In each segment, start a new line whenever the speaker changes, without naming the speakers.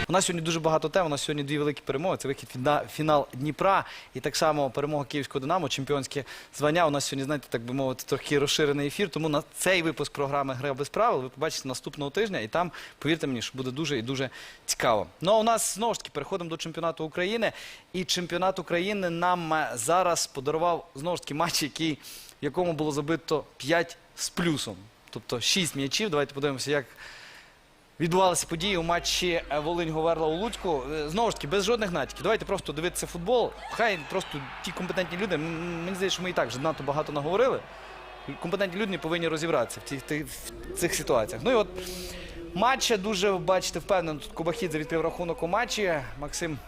У нас сьогодні дуже багато тем, у нас сьогодні дві великі перемоги. Це вихід на фінал Дніпра і так само перемога Київського Динамо, чемпіонське звання. У нас сьогодні, знаєте, так би мовити, трохи розширений ефір, тому на цей випуск програми «Гра без правил» ви побачите наступного тижня, і там, повірте мені, що буде дуже і дуже цікаво. Ну а у нас, знову ж таки, переходимо до чемпіонату України. І чемпіонат України нам зараз подарував, знову ж таки, матч, в якому було забито 5 з плюсом. Тобто 6 м'ячів. Давайте подивимося, як відбувалися події у матчі Волинь-Говерла у Луцьку. Знову ж таки, без жодних натяків. Давайте просто дивитися футбол. Хай просто ті компетентні люди, мені здається, що ми і так вже надто багато наговорили. Компетентні люди не повинні розібратися в цих ситуаціях. Ну і от матч дуже, бачите, впевнено, тут Кубахідзе відкрив рахунок у матчі. Максим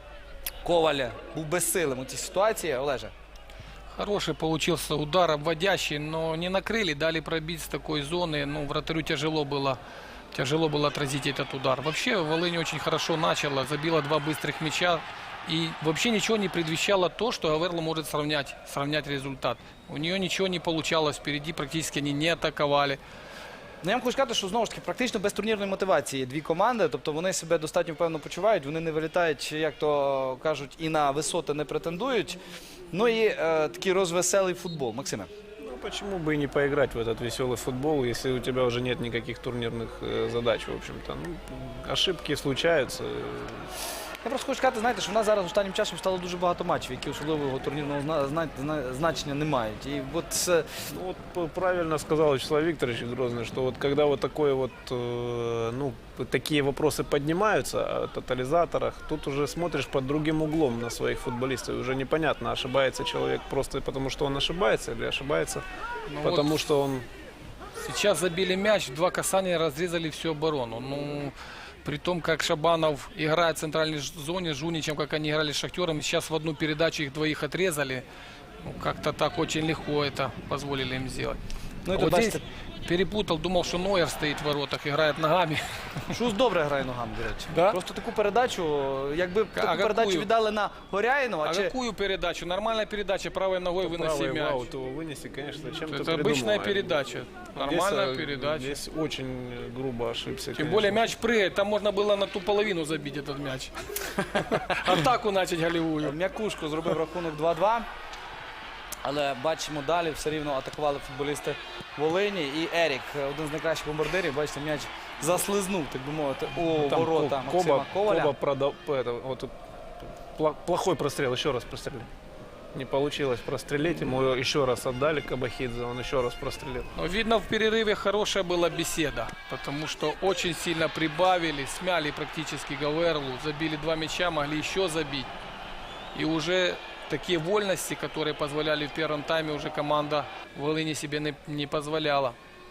Коваль був безсилим у цій ситуації. Олеже.
Хороший получился удар, обводящий, но не накрыли, дали пробить с такой зоны. Ну, вратарю тяжело было отразить этот удар. Вообще, Волынь очень хорошо начала, забила 2 быстрых мяча. И вообще ничего не предвещало то, что Говерла может сравнять результат. У нее ничего не получалось, впереди практически они не атаковали.
Ну, я вам хочу сказати, що, знову ж таки, практично без турнірної мотивації дві команди, тобто вони себе достатньо впевнено почувають, вони не вилітають, як то кажуть, і на висоти не претендують. Ну і такий розвеселий футбол. Максиме.
Ну, почему бы и не поиграть в этот веселый футбол, если у тебя уже нет никаких турнирных задач, в общем-то. Ну, ошибки случаются.
Я просто хочу сказати, знаєте, що в нас зараз останнім часом стало дуже багато матчів, які особливого турнірного значення не мають. І от
Ну, вот правильно сказал Вячеслав Викторович Грозный, что вот когда вот такое вот, ну, такие вопросы поднимаются о тотализаторах, тут уже смотришь под другим углом на своих футболистов. Уже непонятно, ошибается человек просто потому, что он ошибается, или ошибается
Ну,
потому,
вот
что он...
Сейчас забили мяч, 2 касания разрезали всю оборону. Ну, при том, как Шабанов играет в центральной зоне, с Жуничем, как они играли с Шахтером, сейчас в одну передачу их двоих отрезали. Ну, как-то так очень легко это позволили им сделать.
Ну, і
А
тут,
вот здесь
бачите,
перепутал, думал, что Нойер стоит в воротах, играет ногами.
Шус добре грає ногами, до речі.
Да?
Просто таку передачу, якби таку
какую?
передачу віддали на Горяїнова,
А какую передачу? Нормальная передача, правой ногой выноси
Правый
мяч.
аут его вынести, конечно, чем-то
Это обычная
придумал.
передача. Нормальная передача.
Здесь очень грубо ошибся.
Тем
конечно.
более мяч прыгает, там можно было на ту половину забить этот мяч. Атаку начать голевую.
М'якушко зробив рахунок 2-2. Але бачимо далі, все рівно атакували футболісти Волині. І Ерік, один з найкращих бомбардирів, бачите, м'яч заслизнув, так би мовити, у
Там
ворота Максима Коваля.
Коба вот тут плохой прострел, еще раз прострелил. Не получилось прострелить, ему еще раз отдали Кабахидзе, он еще раз прострелил.
Но видно, в перерыве хорошая была беседа, потому что очень сильно прибавили, смяли практически Говерлу, забили 2 мяча, могли еще забить. И уже такие вольности, которые позволяли в первом тайме, уже команда Волыни себе не позволяла.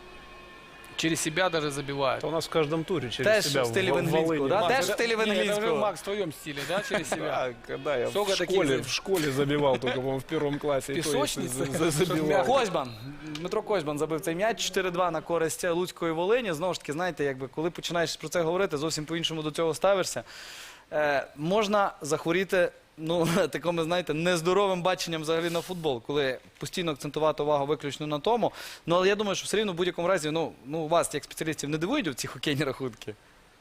Через себя даже забивают.
Это у нас в каждом туре через
Теж
себя
в стилі
в
Венгринського,
Волыни.
да?
Макс,
Теж в стилі
это уже,
Венгринського.
Макс, в твоем стиле, да, через себя?
Да, когда я
Сколько таких
в школе забивал, только, по-моему, в 1 классе. и то, если
Песочницы?
забивал.
Козьбан, Дмитро Козьбан забив цей м'яч, 4-2 на користь Луцької Волині. Знову ж таки, знаєте, якби, коли починаєш про це говорити, зовсім по-іншому до цього ставишся. Можна захворіти, ну, такими, знаєте, нездоровим баченням взагалі на футбол, коли постійно акцентувати увагу виключно на тому. Ну, але я думаю, що все рівно в будь-якому разі, ну вас, як спеціалістів, не дивують ці хокейні рахунки?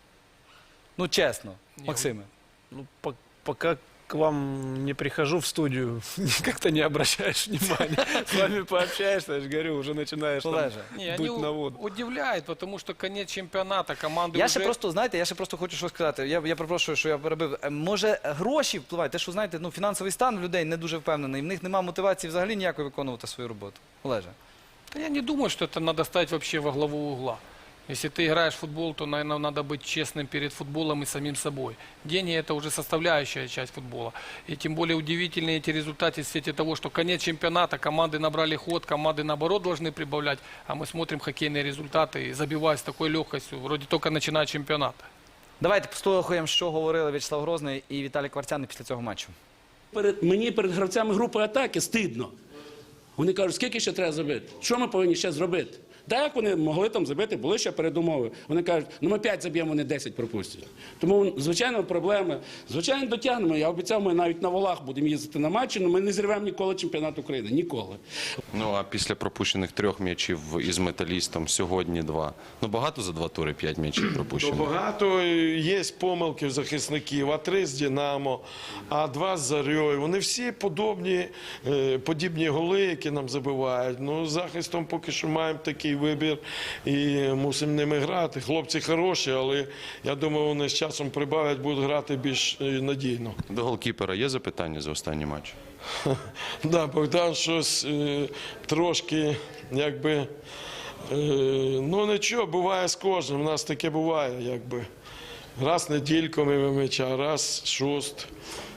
Ну, чесно, Максиме.
Ну, пока к вам не прихожу в студию, как-то не обращаешь внимания. С вами пообщаешься, я же говорю, уже начинаешь там
Олеже.
Не,
дуть
они
на воду.
удивляют, потому что конец чемпионата, команды
Я
уже...
ще просто, знаєте, я ще просто хочу щось сказати. Я перепрошую, що я перебив. Може, гроші впливають? Те, що, знаєте, ну, фінансовий стан людей не дуже впевнений. В них немає мотивації взагалі ніякої виконувати свою роботу. Олеже.
Да я не думаю, что это надо ставить вообще во главу угла. Если ты играешь в футбол, то, наверное, надо быть честным перед футболом и самим собой. Деньги – это уже составляющая часть футбола. И тем более удивительные эти результаты в свете того, что конец чемпионата, команды набрали ход, команды, наоборот, должны прибавлять. А мы смотрим хоккейные результаты и забивая с такой легкостью, вроде только начиная чемпионат.
Давайте послухаємо, що говорили В'ячеслав Грозний і Віталій Кварцяний після цього матчу.
Мені перед гравцями групи атаки стидно. Вони кажуть, скільки ще треба зробити? Що ми повинні ще зробити? Так, як вони могли там забити, були ще передумови. Вони кажуть, ну ми 5 заб'ємо, вони 10 пропустять. Тому, звичайно, проблеми. Звичайно, дотягнемо. Я обіцяв, ми навіть на волах будемо їздити на матчі, але ми не зірвемо ніколи чемпіонат України. Ніколи.
Ну а після пропущених 3 м'ячів із Металістом сьогодні 2. Ну багато за 2 тури 5 м'ячів пропущено.
Багато є помилки в захисників, а 3 з «Динамо», а 2 з «Зорьою». Вони всі подібні голи, які нам забивають. Ну, з захистом поки що маємо такий вибір і мусимо ними грати. Хлопці хороші, але я думаю, вони з часом прибавлять, будуть грати більш надійно.
До голкіпера є запитання за останній матч?
Да, Богдан щось трошки, якби, ну нічого, буває з кожним, у нас таке буває, якби. Раз недільку мимо м'яча, раз шуст.